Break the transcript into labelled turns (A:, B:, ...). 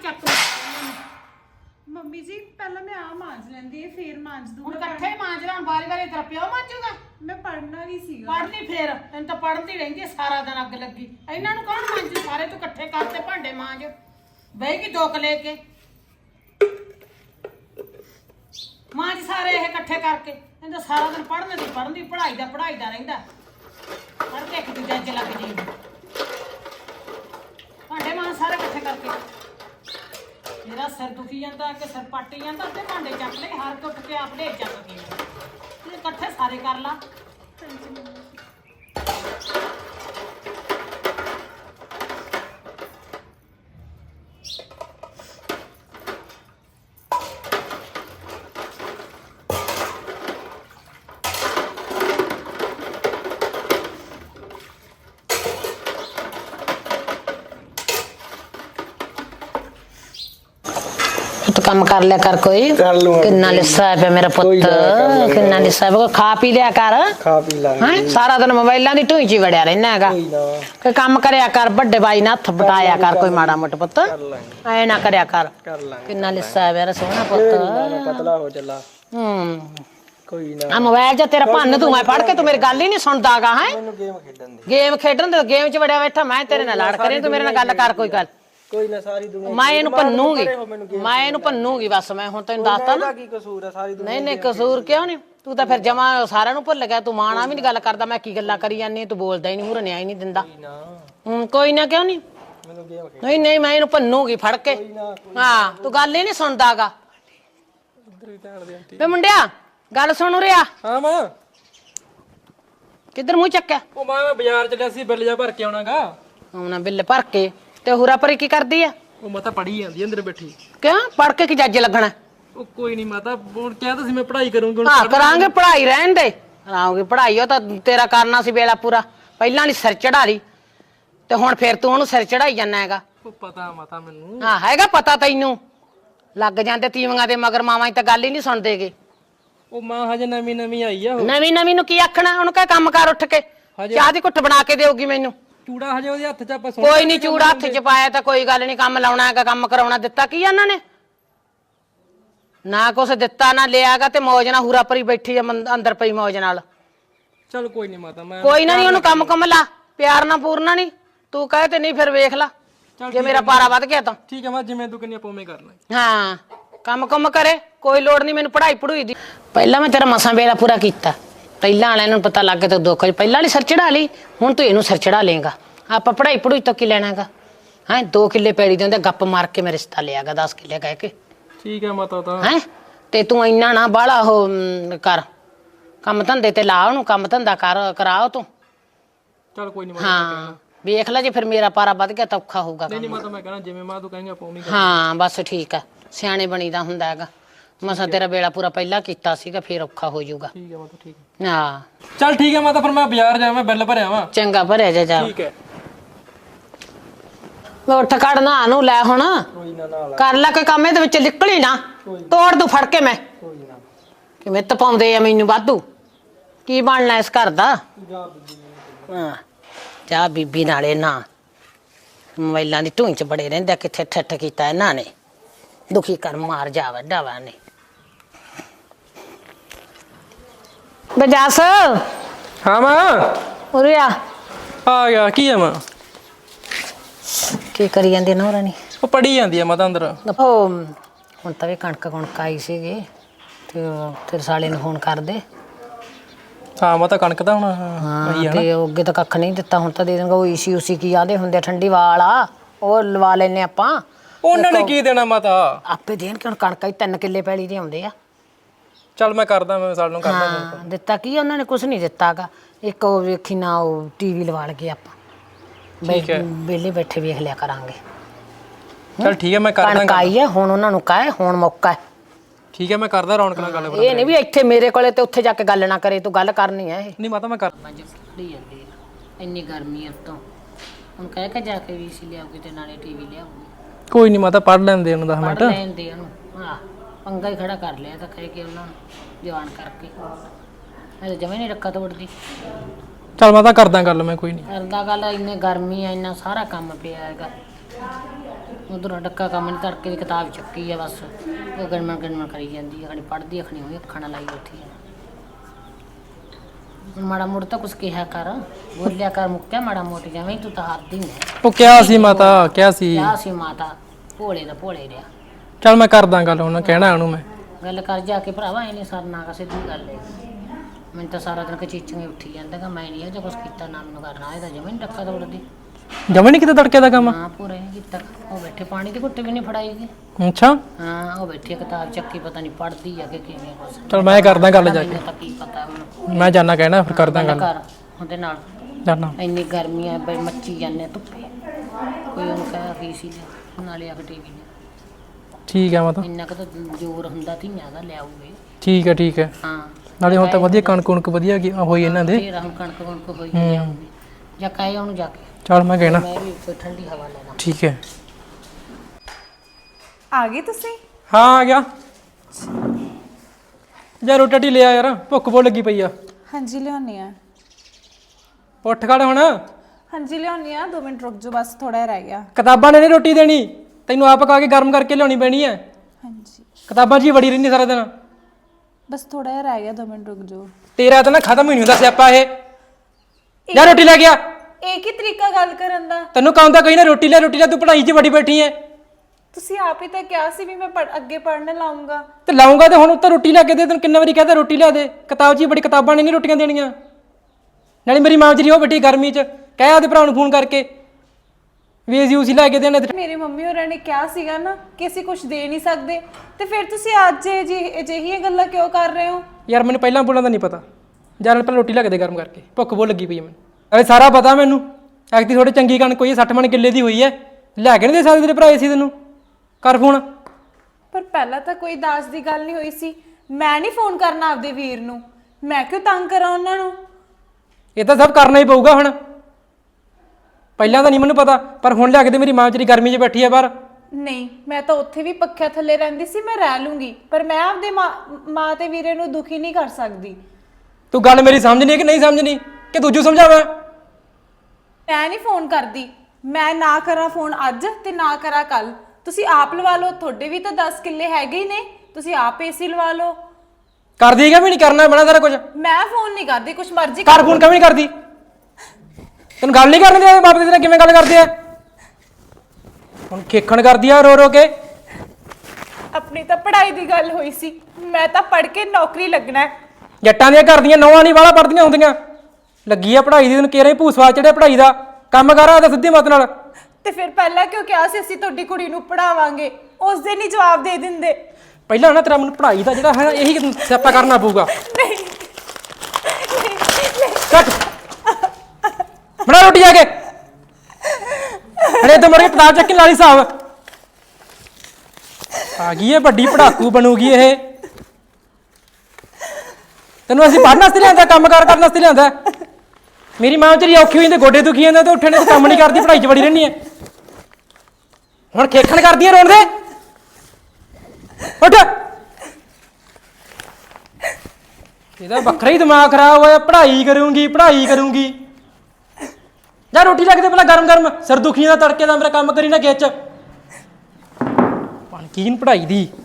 A: ਚੱਕ
B: ਮੰਮੀ ਜੀ ਪਹਿਲਾਂ ਮੈਂ ਆ ਮਾਂਜ ਲੈਂਦੀ ਫੇਰ ਮਾਂਜ ਦੂੰਗਾ।
A: ਹੁਣ ਇਕੱਠੇ ਮਾਂਜ ਲੈਣ ਵਾਰੀ ਤੇਰਾ ਪਿਓ ਮਾਂਜੂਗਾ।
B: ਮੈਂ ਪੜਨਾ ਵੀ ਸੀਗਾ।
A: ਪੜ ਲਈ ਫੇਰ ਤੈਨੂੰ ਤਾਂ ਪੜਦੀ ਰਹਿੰਦੀ ਸਾਰਾ ਦਿਨ ਅੱਗ ਲੱਗੀ। ਇਹਨਾਂ ਨੂੰ ਕੌਣ ਮਾਂਜੂ ਸਾਰੇ ਤੂੰ ਇਕੱਠੇ ਕਰਤੇ ਭਾਂਡੇ ਮਾਂਜ ਬਹਿ ਗਈ 2 ਲੈ ਕੇ ਮਾਂਜ ਸਾਰੇ ਇਹ ਇਕੱਠੇ ਕਰਕੇ ਇਹਦਾ ਸਾਰਾ ਦਿਨ ਪੜ੍ਹਨ ਦੀ ਪੜ੍ਹਾਈ ਦਾ ਰਹਿੰਦਾ ਪੜ੍ਹ ਕੇ ਇੱਕ ਦੂਜੇ 'ਚ ਲੱਗ ਜੀ ਭਾਂਡੇ ਮਾਂਜ ਸਾਰੇ ਇਕੱਠੇ ਕਰਕੇ ਮੇਰਾ ਸਿਰ ਦੁਖੀ ਜਾਂਦਾ ਕਿ ਸਿਰ ਪੱਟੀ ਜਾਂਦਾ ਤੇ ਭਾਂਡੇ ਚੱਕ ਲੈ ਹਰ ਕੇ ਉੱਠ ਕੇ ਆਪਣੇ ਚੱਕ ਕੇ ਤੇ ਇਕੱਠੇ ਸਾਰੇ ਕਰ ਲਾ ਕੰਮ ਕਰ ਲਿਆ ਕਰ ਕੋਈ ਕਿੰਨਾ ਲਿੱਸਾ ਹੈ ਮੇਰਾ ਪੁੱਤ ਕਿੰਨਾ ਲਿੱਸਾ ਹੈ ਖਾ ਪੀ ਲਿਆ ਕਰ ਹੈ ਸਾਰਾ ਦਿਨ ਮੋਬਾਈਲਾਂ ਦੀ ਢੂਈ ਚ ਵੜਿਆ ਰਹਿਣਾ ਹੈਗਾ ਕੋਈ ਕੰਮ ਕਰਿਆ ਕਰ ਵੱਡੇ ਬਾਈ ਨਾਲ ਹੱਥ ਬਟਾਇਆ ਕਰ ਕੋਈ ਮਾੜਾ ਮੋਟਾ ਪੁੱਤ ਐ ਨਾ ਕਰਿਆ ਕਰ ਕਿੰਨਾ ਲਿੱਸਾ ਹੈ ਮੇਰਾ ਸੋਹਣਾ ਪੁੱਤ
C: ਪਤਲਾ ਹੋ ਚੱਲਾ ਕੋਈ ਨਾ
A: ਆ ਮੋਬਾਈਲ 'ਚ ਤੇਰਾ ਭੰਨ ਤੂੰ ਮੈਂ ਫੜ ਕੇ ਤੂੰ ਮੇਰੀ ਗੱਲ ਹੀ ਨਹੀਂ ਸੁਣਦਾਗਾ ਹੈ
C: ਮੈਨੂੰ
A: ਗੇਮ ਖੇਡਣ ਦੇ ਗੇਮ 'ਚ ਵੜਿਆ ਬੈਠਾ ਮੈਂ ਤੇਰੇ ਨਾਲ ਲੜ ਕਰੇ ਤੂੰ ਮੇਰੇ ਨਾਲ ਗੱਲ ਕਰ
C: ਕੋਈ ਨਾ ਸਾਰੀ ਦੁਨੀਆ
A: ਮੈਂ ਇਹਨੂੰ ਭੰਨੂਗੀ ਬਸ ਮੈਂ ਹੁਣ ਤੈਨੂੰ ਦੱਸਤਾ ਨਾ
C: ਕੀ ਕਸੂਰ ਹੈ ਸਾਰੀ ਦੁਨੀਆ
A: ਨਹੀਂ ਕਸੂਰ ਕਿਉਂ ਨਹੀਂ ਤੂੰ ਤਾਂ ਫਿਰ ਜਮਾ ਸਾਰਿਆਂ ਨੂੰ ਭੁੱਲ ਗਿਆ ਤੂੰ ਮਾਣਾ ਵੀ ਨਹੀਂ ਗੱਲ ਕਰਦਾ ਮੈਂ ਕੀ ਗੱਲਾਂ ਕਰੀ ਜਾਂਦੀ ਤੂੰ ਬੋਲਦਾ ਹੀ ਨਹੀਂ ਹੁਰਨਿਆ ਹੀ ਨਹੀਂ ਦਿੰਦਾ ਕੋਈ ਨਾ ਕਿਉਂ ਨਹੀਂ
C: ਮੈਨੂੰ ਗੇਮ
A: ਨਹੀਂ ਮੈਂ ਇਹਨੂੰ ਭੰਨੂਗੀ ਫੜ ਕੇ ਹਾਂ ਤੂੰ ਗੱਲ ਹੀ ਨਹੀਂ ਸੁਣਦਾਗਾ ਵੇ ਮੁੰਡਿਆ ਗੱਲ ਸੁਣ ਰਿਹਾ
C: ਹਾਂ ਮਾਂ
A: ਕਿੱਧਰ ਮੂੰਹ ਚੱਕਿਆ
C: ਉਹ ਮੈਂ ਬਾਜ਼ਾਰ ਚੱਲਿਆ ਸੀ ਬਿੱਲ ਜਾ ਭਰ ਕੇ ਆਉਣਾਗਾ
A: ਆਉਣਾ ਬਿੱਲ ਭਰ ਕੇ ਤੇ ਹੁਰਾ ਭਰੀ ਕੀ ਕਰਦੀ ਆ
C: ਉਹ ਮਾਤਾ ਪੜ੍ਹੀ ਜਾਂਦੀ ਅੰਦਰ ਬੈਠੀ
A: ਕਿਉਂ ਪੜ ਕੇ ਕੀ ਜੱਜ ਲੱਗਣਾ
C: ਉਹ ਕੋਈ ਨਹੀਂ ਮਾਤਾ ਹੁਣ ਕਿਹਾ ਤਾਂ ਸੀ ਮੈਂ ਪੜ੍ਹਾਈ ਕਰੂੰਗੀ
A: ਹਾਂ ਕਰਾਂਗੇ ਪੜ੍ਹਾਈ ਰਹਿਣ ਦੇ ਕਰਾਂਗੇ ਪੜ੍ਹਾਈ ਉਹ ਤਾਂ ਤੇਰਾ ਕਰਨਾ ਸੀ ਵੇਲਾ ਪੂਰਾ ਪਹਿਲਾਂ ਵਾਲੀ ਸਿਰ ਚੜਾ ਲਈ ਤੇ ਹੁਣ ਫਿਰ ਤੂੰ ਉਹਨੂੰ ਸਿਰ ਚੜਾਈ ਜਾਂਦਾ ਹੈਗਾ
C: ਉਹ ਪਤਾ ਮਾਤਾ ਮੈਨੂੰ
A: ਹਾਂ ਹੈਗਾ ਪਤਾ ਤੈਨੂੰ ਲੱਗ ਜਾਂਦੇ ਤੀਵੀਆਂ ਦੇ ਮਗਰ ਮਾਵਾਂ ਦੀ ਤਾਂ ਗੱਲ ਹੀ ਨਹੀਂ ਸੁਣਦੇਗੇ
C: ਉਹ ਮਾਂ ਹਜੇ ਨਵੀਂ ਆਈ ਆ
A: ਨਵੀਂ ਨੂੰ ਕੀ ਆਖਣਾ ਉਹਨੂੰ ਕਹਿ ਕੰਮ ਕਰ ਉੱਠ ਕੇ ਚਾਹ ਦੀ ਘੁੱਟ ਬਣਾ ਕੇ ਦੇਊਗੀ ਮੈਨੂੰ
C: ਚੂੜਾ ਹਜੇ ਉਹਦੇ ਹੱਥ 'ਚ ਆਪਾਂ
A: ਕੋਈ ਨਹੀਂ ਚੂੜਾ ਹੱਥ 'ਚ ਪਾਇਆ ਤਾਂ ਕੋਈ ਗੱਲ ਨਹੀਂ ਕੰਮ ਲਾਉਣਾ ਹੈਗਾ ਕੰਮ ਕਰਾਉਣਾ ਦਿੱਤਾ ਕੀ ਇਹਨਾਂ ਨੇ ਨਾ ਕੁਛ ਦਿੱਤਾ ਨਾ ਲਿਆਗਾ ਤੇ ਮੌਜ ਨਾਲ ਹੂਰਾ ਭਰੀ ਬੈਠੀ ਆ ਅੰਦਰ ਪਈ ਮੌਜ ਨਾਲ
C: ਚਲ ਕੋਈ ਨਹੀਂ ਮਾਤਾ ਮੈਂ
A: ਕੋਈ ਨਾ ਨਹੀਂ ਉਹਨੂੰ ਕੰਮ ਲਾ ਪਿਆਰ ਨਾਲ ਪੂਰਨਾ ਨਹੀਂ ਤੂੰ ਕਹੇ ਤੇ ਨਹੀਂ ਫਿਰ ਵੇਖ ਲਾ ਜੇ ਮੇਰਾ ਪਾਰਾ ਵੱਧ ਗਿਆ ਤਾਂ
C: ਠੀਕ ਹੈ ਮਾਂ ਜਿਵੇਂ ਤੂੰ ਕਹਿੰਦੀ ਆਪਾਂ ਉਵੇਂ ਕਰ ਲਾਂਗੇ
A: ਹਾਂ ਕੰਮ ਕਰੇ ਕੋਈ ਲੋੜ ਨਹੀਂ ਮੈਨੂੰ ਪੜ੍ਹਾਈ ਪੜੂਈ ਦੀ ਪਹਿਲਾਂ ਮੈਂ ਤੇਰਾ ਮਸਾਂ ਵੇਲਾ ਪੂਰਾ ਕੀਤਾ ਪਹਿਲਾਂ ਵਾਲਿਆਂ ਨੂੰ ਪਤਾ ਲੱਗ ਗਿਆ ਤਾਂ ਦੁੱਖ ਪਹਿਲਾਂ ਵਾਲੀ ਸਿਰ ਚੜਾ ਲਈ ਹੁਣ ਤੂੰ ਇਹਨੂੰ ਸਿਰ ਚੜਾ ਲੇਗਾ ਆਪਾਂ ਪੜ੍ਹਾਈ ਪੜੂਈ ਤੋਂ ਕੀ ਲੈਣਾਗਾ ਹੈਂ 2 ਕਿੱਲੇ ਪੈੜੀ ਦੇ ਹੁੰਦੇ ਗੱਪ ਮਾਰ ਕੇ ਮੈਂ ਰਿਸ਼ਤਾ ਲਿਆਗਾ 10 ਕਿੱਲੇ ਕਹਿ ਕੇ
C: ਠੀਕ ਹੈ ਮਾਤਾ ਤਾਂ
A: ਹੈਂ ਤੇ ਤੂੰ ਇੰਨਾ ਨਾ ਬਾਹਲਾ ਉਹ ਕਰ ਕੰਮ ਧੰਦੇ ਤੇ ਲਾ ਉਹਨੂੰ ਕੰਮ ਧੰਦਾ ਕਰਾਓ ਤੂੰ
C: ਚਲ ਕੋਈ ਨਹੀਂ
A: ਹਾਂ ਵੇਖ ਲੈ ਜੇ ਫਿਰ ਮੇਰਾ ਪਾਰਾ ਵੱਧ ਗਿਆ ਤਾਂ ਔਖਾ ਹੋਊਗਾ
C: ਨਹੀਂ ਮਾਤਾ ਮੈਂ ਕਹਿਣਾ ਜਿਵੇਂ ਮਾਂ ਤੂੰ ਕਹੇਂਗਾ ਆਪਾਂ ਉਵੇਂ
A: ਹਾਂ ਬਸ ਠੀਕ ਆ ਸਿਆਣੇ ਬਣੀਦਾ ਹੁੰਦਾ ਹੈਗਾ ਮਸਾਂ ਤੇਰਾ ਵੇਲਾ ਪੂਰਾ ਪਹਿਲਾਂ ਕੀਤਾ ਸੀਗਾ ਫਿਰ ਔਖਾ ਹੋ ਜਾਊਗਾ
C: ਠੀਕ ਹੈ ਮਾਤਾ ਠੀਕ ਹੈ
A: ਹਾਂ
C: ਚਲ ਠੀਕ ਹੈ ਮਾਤਾ ਫਿਰ ਮੈਂ ਬਾਜ਼ਾਰ ਜਾਵਾਂ ਬਿੱਲ ਭਰਿਆ ਵਾਂ
A: ਚੰਗਾ ਭਰਿਆ ਜਾ
C: ਠੀਕ ਹੈ
A: ਉੱਠ ਖੜ ਨਾ ਨੂੰ ਲੈ ਹੁਣ
C: ਕੋਈ ਨਾ ਨਾਲ
A: ਕਰ ਲੈ ਕੋਈ ਕੰਮ ਇਹਦੇ ਵਿੱਚ ਨਿਕਲੀ ਨਾ ਤੋੜ ਦੂ ਫੜ ਕੇ ਮੈਂ
C: ਕੋਈ ਨਾ
A: ਕਿਵੇਂ ਤਪਾਉਂਦੇ ਆ ਮੈਨੂੰ ਵਾਧੂ ਕੀ ਬਣਨਾ ਇਸ ਘਰ ਦਾ ਹਾਂ ਜਾ ਬੀਬੀ ਨਾਲੇ ਨਾ ਮੋਬਾਈਲਾਂ ਦੀ ਢੂੰਚ ਚ ਬੜੇ ਰਹਿੰਦੇ ਕਿੱਥੇ ਠੱਠ ਕੀਤਾ ਇਹਨਾਂ ਨੇ ਦੁਖੀ ਕਰ ਮਾਰ ਜਾ ਵੱਡਾ ਵਾ ਨੇ ਬਜਾਸ
C: ਹਾਂ ਮਾਂ
A: ਉਰੇ ਆ
C: ਗਿਆ ਕੀ ਹੈ ਮਾਂ
A: ਕੀ ਕਰੀ ਜਾਂਦੇ ਨਾ ਰਾਣੀ
C: ਉਹ ਪੜੀ ਜਾਂਦੀ ਆ ਮਾਤਾ ਅੰਦਰ
A: ਉਹ ਹੁਣ ਤਾਂ ਵੀ ਕਣਕ ਆਈ ਸੀਗੀ ਤੇ ਤੇਰੇ ਸਾਲੇ ਨੂੰ ਫੋਨ ਕਰ ਦੇ
C: ਹਾਂ ਮਾਤਾ ਕਣਕ ਦਾ ਹੁਣ
A: ਹਾਂ ਤੇ ਅੱਗੇ ਤਾਂ ਕੱਖ ਨਹੀਂ ਦਿੱਤਾ ਹੁਣ ਤਾਂ ਦੇ ਦੇਣਗੇ ਉਹ ਈਸੀ ਕੀ ਆਦੇ ਹੁੰਦੇ ਠੰਡੀ ਵਾਲ ਆ ਉਹ ਲਵਾ ਲੈਨੇ ਆਪਾਂ
C: ਉਹਨਾਂ ਨੇ ਕੀ ਦੇਣਾ ਮਾਤਾ
A: ਆਪੇ ਦੇਣਗੇ ਹੁਣ ਕਣਕਾਂ ਹੀ 3 ਕਿੱਲੇ ਪੈਲੀ ਦੇ ਆਉਂਦੇ ਆ
C: ਚੱਲ ਮੈਂ ਕਰਦਾ ਮੈਂ ਸਾਲ ਨੂੰ ਕਰਦਾ
A: ਹਾਂ ਦਿੱਤਾ ਕੀ ਉਹਨਾਂ ਨੇ ਕੁਝ ਨਹੀਂ ਦਿੱਤਾਗਾ ਇੱਕ ਉਹ ਵੇਖੀ ਨਾ ਉਹ ਟੀਵੀ ਲਵਾ ਲਗੇ ਆਪਾਂ ਵਿਹਲੇ ਬੈਠੇ ਵੇਖ ਲਿਆ ਕਰਾਂਗੇ
C: ਚੱਲ ਠੀਕ ਹੈ ਮੈਂ ਕਰਦਾ
A: ਕਣਕ ਆਈ ਹੈ ਹੁਣ ਉਹਨਾਂ ਨੂੰ ਕਹੇ ਹੁਣ ਮੌਕਾ ਹੈ
C: ਠੀਕ ਹੈ ਮੈਂ ਕਰਦਾ ਰੌਣਕ ਨਾਲ ਗੱਲ
A: ਇਹ ਨਹੀਂ ਵੀ ਇੱਥੇ ਮੇਰੇ ਕੋਲੇ ਤੇ ਉੱਥੇ ਜਾ ਕੇ ਗੱਲ ਨਾ ਕਰੇ ਤੂੰ ਗੱਲ ਕਰਨੀ ਹੈ ਇਹ
C: ਨਹੀਂ ਮਾਤਾ ਮੈਂ ਕਰ
A: ਖੜੀ ਜਾਂਦੀ ਹੈ ਇੰਨੀ ਗਰਮੀ ਉੱਤੋਂ ਹੁਣ ਕਹਿ ਕੇ ਜਾ ਕੇ ਵੀ ਸੀ ਲਿਆਉਗੀ ਤੇ ਨਾਲੇ ਟੀਵੀ ਲਿਆਉਗੀ
C: ਕੋਈ ਨਹੀਂ ਮਾਤਾ ਪੜ ਲੈਂਦੇ ਉਹਨੂੰ 10 ਮਿੰਟ
A: ਪੜ ਲੈਂਦੇ ਉਹਨੂੰ ਹਾਂ ਪੰਗਾ ਹੀ ਖੜਾ ਕਰ ਲਿਆ ਤਾਂ ਕਹਿ ਕੇ ਉਹਨਾਂ ਨੂੰ ਜਵਾਨ ਕਰਕੇ ਮੈਂ ਜਮੇ ਨਹੀਂ ਰੱਖਾ ਤੋੜਦੀ
C: ਚੱਲ ਮਾਤਾ ਕਰਦਾ ਗੱਲ ਮੈਂ ਕੋਈ ਨਹੀਂ
A: ਕਰਦਾ ਗੱਲ ਇੰਨੇ ਗਰਮੀ ਆ ਇੰਨਾ ਸਾਰਾ ਕੰਮ ਪਿਆ ਹੈਗਾ ਉਧਰੋਂ ਡੱਕਾ ਕੰਮ ਨਹੀਂ, ਤੜਕੇ ਦੀ ਕਿਤਾਬ ਚੱਕੀ ਆ ਬਸ, ਉਹ ਗਣਮਣ ਕਰੀ ਜਾਂਦੀ ਆ, ਖਣੀ ਪੜ੍ਹਦੀ ਆ, ਖਣੀ ਹੋਈ ਅੱਖਾਂ ਨਾਲ ਲਾਈ ਉੱਠੀ ਆ। ਹੁਣ ਮਾੜਾ ਮੋੜ ਤਾਂ ਕੁਛ ਕਿਹਾ ਕਰ, ਬੋਲਿਆ ਕਰ, ਮੁੱਕਿਆ ਮਾੜਾ ਮੋਟ ਜਾਵੇਂ, ਤੂੰ ਤਾਂ ਹੱਦ ਹੀ ਹੈ।
C: ਉਹ ਕਿਹਾ ਸੀ ਮਾਤਾ, ਕਿਹਾ ਸੀ
A: ਮਾਤਾ ਭੋਲੇ ਦਾ ਭੋਲੇ ਰਿਹਾ।
C: ਚੱਲ ਮੈਂ ਕਰਦਾ ਗੱਲ, ਉਹਨਾਂ ਕਹਿਣਾ ਉਹਨੂੰ ਮੈਂ
A: ਗੱਲ ਕਰ ਜਾ ਕੇ ਭਰਾਵਾ, ਇਹਨੇ ਸਰਨਾ ਗਾ, ਸਿੱਧੀ ਗੱਲ ਹੈ। ਮੈਨੂੰ ਤਾਂ ਸਾਰਾ ਦਿਨ ਕਚੀਚੀਆਂ ਉੱਠੀ ਜਾਂਦਾ ਗਾ, ਮੈਂ ਨਹੀਂ ਇਹ ਕੁਛ ਕੀਤਾ ਨਾ ਮੈਨੂੰ ਕਰਨਾ, ਇਹਦਾ ਜਮਾਂ ਹੀ ਡੱਕਾ ਤੋੜਦੀ।
C: ਜਮਾਂ ਨਹੀਂ ਕਿਤੇ ਤੜਕੇ ਦਾ ਕੰਮ।
A: ਹਾਂ ਪੂਰੇ ਨਹੀਂ ਕੀਤਾ। ਉਹ ਬੈਠੇ ਪਾਣੀ ਦੀ ਘੁੱਟ ਵੀ ਨਹੀਂ ਫੜਾਈਗੀ।
C: ਅੱਛਾ
A: ਹਾਂ ਉਹ ਬੈਠੀ ਕਿਤਾਬ ਚੱਕੀ, ਪਤਾ ਨਹੀਂ ਪੜ੍ਹਦੀ ਆ ਕਿ ਕਿਵੇਂ ਕੁਛ।
C: ਚੱਲ ਮੈਂ ਕਰਦਾ ਗੱਲ ਜਾ ਕੇ,
A: ਮੈਨੂੰ ਤਾਂ ਕੀ ਪਤਾ ਹੁਣ।
C: ਮੈਂ ਜਾਣਾ ਕਹਿਣਾ ਫਿਰ ਕਰਦਾ ਗੱਲ
A: ਕਰ ਉਹਦੇ ਨਾਲ।
C: ਜਾਣਾ
A: ਇੰਨੀ ਗਰਮੀ ਆ ਬਈ, ਮੱਚੀ ਜਾਂਦੇ ਧੁੱਪੇ। ਕੋਈ ਉਹਨੂੰ ਕਹਿਆ ਕੀ ਸੀ ਨਾਲੇ ਆ ਕੇ ਟੀਵੀ ਨੇ।
C: ਠੀਕ ਹੈ ਮਾਤਾ,
A: ਇੰਨਾ ਕੁ ਤਾਂ ਜ਼ੋਰ ਹੁੰਦਾ ਧੀਆਂ ਦਾ, ਲਿਆਉਗੇ।
C: ਠੀਕ ਹੈ ਠੀਕ ਹੈ।
A: ਹਾਂ
C: ਨਾਲੇ ਹੁਣ ਤਾਂ ਵਧੀਆ ਕਣਕ ਹੋਈ ਇਹਨਾਂ ਦੇ।
A: ਫੇਰ ਹੁਣ ਕਣਕ ਹੋਈ ਲਿਆਉਗੀ, ਜਾਂ ਕਹੇ ਉਹਨੂੰ ਜਾ ਕੇ।
C: ਚੱਲ ਮੈਂ ਕਹਿਣਾ।
A: ਮੈਂ ਵੀ ਕੋਈ ਠੰਡੀ ਹਵਾ ਲੈਣਾ।
C: ਠੀਕ ਹੈ।
B: ਆ ਗਏ ਤੁਸੀਂ?
C: ਹਾਂ ਆ ਗਿਆ। ਜਾ ਰੋਟੀ ਟੀ ਲਿਆ ਯਾਰ, ਭੁੱਖ ਬਹੁਤ ਲੱਗੀ ਪਈ ਆ।
B: ਹਾਂਜੀ ਲਿਆਉਣੀ ਆ।
C: ਉੱਠ ਖੜ ਹੁਣ।
B: ਹਾਂਜੀ ਲਿਆਉਣੀ ਆ, 2 ਮਿੰਟ ਰੁਕ ਜਾਓ, ਬਸ ਥੋੜਾ ਜਿਹਾ ਰਹਿ ਗਿਆ।
C: ਕਿਤਾਬਾਂ ਨੇ ਨਹੀਂ ਰੋਟੀ ਦੇਣੀ, ਤੈਨੂੰ ਆਪ ਪਕਾ ਕੇ ਗਰਮ ਕਰਕੇ ਲਿਆਉਣੀ ਪੈਣੀ ਹੈ।
B: ਹਾਂਜੀ
C: ਕਿਤਾਬਾਂ 'ਚ ਹੀ ਵੜੀ ਰਹਿੰਦੀ ਸਾਰਾ ਦਿਨ।
B: ਬਸ ਥੋੜਾ ਜਿਹਾ ਰਹਿ ਗਿਆ, 2 ਮਿੰਟ ਰੁਕ ਜਾਓ।
C: ਤੇਰਾ ਤਾਂ ਨਾ ਖਤਮ ਹੀ ਨਹੀਂ ਹੁੰਦਾ ਸਿਆਪਾ ਇਹ। ਜਾ ਰੋਟੀ ਲੈ ਗਿਆ।
B: ਇੱਕ ਹੀ ਤਰੀਕਾ ਗੱਲ ਕਰਨ ਦਾ।
C: ਤੈਨੂੰ ਕਹੂੰਦਾ ਕਹੀ ਨਾ ਰੋਟੀ ਲੈ, ਤੂੰ ਪੜ੍ਹਾਈ 'ਚ ਵੜੀ ਬੈਠੀ ਐ।
B: ਤੁਸੀਂ ਆਪ ਹੀ ਤਾਂ ਕਿਹਾ ਸੀ ਵੀ ਮੈਂ ਅੱਗੇ ਪੜ੍ਹਨ ਲਾਉਂਗਾ।
C: ਤੇ ਲਾਉਂਗਾ ਤੇ ਹੁਣ ਉੱਤੇ ਰੋਟੀ ਲੈ ਕੇ ਦੇ, ਤੈਨੂੰ ਕਿੰਨੇ ਵਾਰੀ ਕਹਤਾ ਰੋਟੀ ਲਿਆ ਦੇ। ਕਿਤਾਬ 'ਚ ਹੀ ਬੜੀ, ਕਿਤਾਬਾਂ ਨੇ ਨਹੀਂ ਰੋਟੀਆਂ ਦੇਣੀਆਂ। ਨਾਲੇ ਮੇਰੀ ਮਾਂ ਜਿਹੜੀ ਉਹ ਬੈਠੀ ਗਰਮੀ 'ਚ, ਕਹਿ ਆਪਦੇ ਭਰਾ ਨੂੰ ਫੋਨ ਕਰਕੇ ਵੀ ਅਸੀਂ ਉਸੇ ਲੈ ਕੇ ਦੇਣੇ।
B: ਮੇਰੀ ਮੰਮੀ ਹੋਰਾਂ ਨੇ ਕਿਹਾ ਸੀਗਾ ਨਾ ਕਿ ਅਸੀਂ ਕੁਝ ਦੇ ਨਹੀਂ ਸਕਦੇ, ਤੇ ਫਿਰ ਤੁਸੀਂ ਅੱਜ ਅਜਿਹੀਆਂ ਗੱਲਾਂ ਕਿਉਂ ਕਰ ਰਹੇ ਹੋ?
C: ਯਾਰ ਮੈਨੂੰ ਪਹਿਲਾਂ ਬੋਲਣ ਦਾ ਨਹੀਂ ਪਤਾ। ਜਾਂ ਪਹਿਲਾਂ ਰੋਟੀ ਲੈ ਕੇ ਦੇ ਗਰਮ ਕਰਕੇ, ਭੁੱਖ ਬਹੁਤ ਲੱਗੀ ਪਈ ਹੈ ਮੈਨੂੰ। ਅਰੇ ਸਾਰਾ ਪਤਾ ਮੈਨੂੰ, ਐਕਤੀ ਥੋੜੀ ਚੰਗੀ ਕਣਕ ਹੋਈ ਹੈ, 60 ਮਣ ਕਿੱਲੇ ਦੀ ਹੋਈ ਹੈ। ਲੈ ਕੇ ਨਹੀਂ ਦੇ ਸਕਦੇ ਤੇਰੇ ਭਰਾ ਸੀ, ਤੈਨੂੰ ਕਰ ਫੋਨ।
B: ਪਰ ਪਹਿਲਾਂ ਤਾਂ ਕੋਈ ਦਾਜ ਦੀ ਗੱਲ ਨਹੀਂ ਹੋਈ ਸੀ। ਮੈਂ ਨਹੀਂ ਫੋਨ ਕਰਨਾ ਆਪਦੇ ਵੀਰ ਨੂੰ, ਮੈਂ ਕਿਉਂ ਤੰਗ ਕਰਾਂ ਉਹਨਾਂ ਨੂੰ?
C: ਇਹ ਤਾਂ ਸਭ ਕਰਨਾ ਹੀ ਪਊਗਾ ਹੁਣ। ਪਹਿਲਾਂ ਤਾਂ ਨਹੀਂ ਮੈਨੂੰ ਪਤਾ, ਪਰ ਹੁਣ ਲਿਆ ਕੇ ਦੇ। ਮੇਰੀ ਮਾਂ ਜਿਹੜੀ ਗਰਮੀ 'ਚ ਬੈਠੀ ਹੈ ਬਾਹਰ।
B: ਨਹੀਂ, ਮੈਂ ਤਾਂ ਉੱਥੇ ਵੀ ਪੱਖਿਆਂ ਥੱਲੇ ਰਹਿੰਦੀ ਸੀ, ਮੈਂ ਰਹਿ ਲੂੰਗੀ, ਪਰ ਮੈਂ ਆਪਦੇ ਮਾਂ ਤੇ ਵੀਰੇ ਨੂੰ ਦੁਖੀ ਨਹੀਂ ਕਰ ਸਕਦੀ।
C: ਤੂੰ ਗੱਲ ਮੇਰੀ ਸਮਝਣੀ ਹੈ ਕਿ ਨਹੀਂ ਸਮਝਣੀ, ਕਿ ਦੂਜੂ ਸਮਝਾਵਾਂ?
B: ਮੈਂ ਨਹੀਂ ਫੋਨ ਕਰਦੀ। ਮੈਂ ਨਾ ਕਰਾਂ ਫੋਨ ਅੱਜ ਤੇ ਨਾ ਕਰਾਂ ਕੱਲ। ਤੁਸੀਂ ਆਪ ਲਵਾ ਲਓ, ਤੁਹਾਡੇ ਵੀ ਤਾਂ 10 ਕਿੱਲੇ ਹੈਗੇ ਹੀ ਨੇ, ਤੁਸੀਂ ਆਪ ਏਸੀ ਲਵਾ ਲਓ।
C: ਕਰਦੀ ਹੈਗਾ ਵੀ ਨਹੀਂ ਕਰਨਾ ਬਣਾ ਸਾਰਾ ਕੁਝ।
B: ਮੈਂ ਫੋਨ ਨਹੀਂ ਕਰਦੀ, ਕੁਛ ਮਰਜ਼ੀ
C: ਕਰ ਫੋਨ, ਕਿਵੇਂ ਨਹੀਂ ਕਰਦੀ? ਤੈਨੂੰ ਗੱਲ ਨਹੀਂ ਕਰਨ ਦੇ ਬਾਪ ਦੇ ਨਾਲ, ਕਿਵੇਂ ਗੱਲ ਕਰਦੇ ਆ? ਹੁਣ ਖੇਖਣ ਕਰਦੀ ਆ ਰੋ ਰੋ ਕੇ।
B: ਆਪਣੀ ਤਾਂ ਪੜ੍ਹਾਈ ਦੀ ਗੱਲ ਹੋਈ ਸੀ, ਮੈਂ ਤਾਂ ਪੜ੍ਹ ਕੇ ਨੌਕਰੀ ਲੱਗਣਾ ਹੈ।
C: ਜੱਟਾਂ ਦੀਆਂ ਘਰ ਦੀਆਂ ਨੌਵਾਂ ਨਹੀਂ ਵਾਲਾ ਪੜਦੀਆਂ ਹੁੰਦੀਆਂ। ਲੱਗੀ ਆ ਪੜ੍ਹਾਈ ਦੀ, ਤੈਨੂੰ ਕਿਹੜੇ ਭੂਸਵਾ ਚੜਿਆ ਪੜ੍ਹਾਈ ਦਾ। ਕੰਮ ਕਰ ਆ ਤਾਂ ਸਿੱਧੀ ਮਤ ਨਾਲ।
B: ਤੇ ਫਿਰ ਪਹਿਲਾਂ ਕਿਉਂ ਕਿਹਾ ਸੀ ਅਸੀਂ ਤੁਹਾਡੀ ਕੁੜੀ ਨੂੰ ਪੜਾਵਾਂਗੇ? ਉਸ ਦਿਨ ਹੀ ਜਵਾਬ ਦੇ ਦਿੰਦੇ।
C: ਪਹਿਲਾਂ ਨਾ ਤੇਰਾ ਮੈਨੂੰ ਪੜ੍ਹਾਈ ਦਾ ਜਿਹੜਾ ਹੈ ਇਹੀ ਸਿਆਪਾ ਕਰਨਾ ਪਊਗਾ।
B: ਨਹੀਂ
C: ਕੱਟ ਬਣਾ ਰੋਟੀ ਜਾ ਕੇ। ਹਲੇ ਤਾਂ ਮਰੇ ਕਿਤਾਬ ਚੱਕੀ ਨਾਲ ਹੀ ਹਿਸਾਬ ਆ ਗਈ ਹੈ। ਵੱਡੀ ਪੜਾਕੂ ਬਣੂਗੀ ਇਹ। ਤੈਨੂੰ ਅਸੀਂ ਪੜ੍ਹਨ ਵਾਸਤੇ ਲਿਆਂਦਾ, ਕੰਮ ਕਾਰ ਕਰਨ ਵਾਸਤੇ ਲਿਆਂਦਾ। ਮੇਰੀ ਮਾਂ ਤੇਰੀ ਔਖੀ ਹੋਈ ਜਾਂਦੇ, ਗੋਡੇ ਦੁਖੀ ਜਾਂਦੇ, ਤੇ ਉੱਠਣੇ ਤੇ ਕੰਮ ਨਹੀਂ ਕਰਦੀ, ਪੜ੍ਹਾਈ 'ਚ ਵੜੀ ਰਹਿੰਦੀ ਹੈ। ਹੁਣ ਖੇਖਣ ਕਰਦੀ ਹੈ ਰੋਣ ਦੇ। ਉੱਠ। ਇਹਦਾ ਵੱਖਰਾ ਹੀ ਦਿਮਾਗ ਖਰਾਬ ਹੋਇਆ। ਪੜ੍ਹਾਈ ਕਰੂੰਗੀ। ਜਾ ਰੋਟੀ ਲੱਗ ਦੇ ਪਹਿਲਾਂ ਗਰਮ ਗਰਮ। ਸਿਰ ਦੁਖੀ ਦਾ ਤੜਕੇ ਦਾ, ਮੇਰਾ ਕੰਮ ਕਰੀ ਨਾ ਖਿੱਚ। ਪਣ ਕੀ ਪੜ੍ਹਾਈ ਦੀ।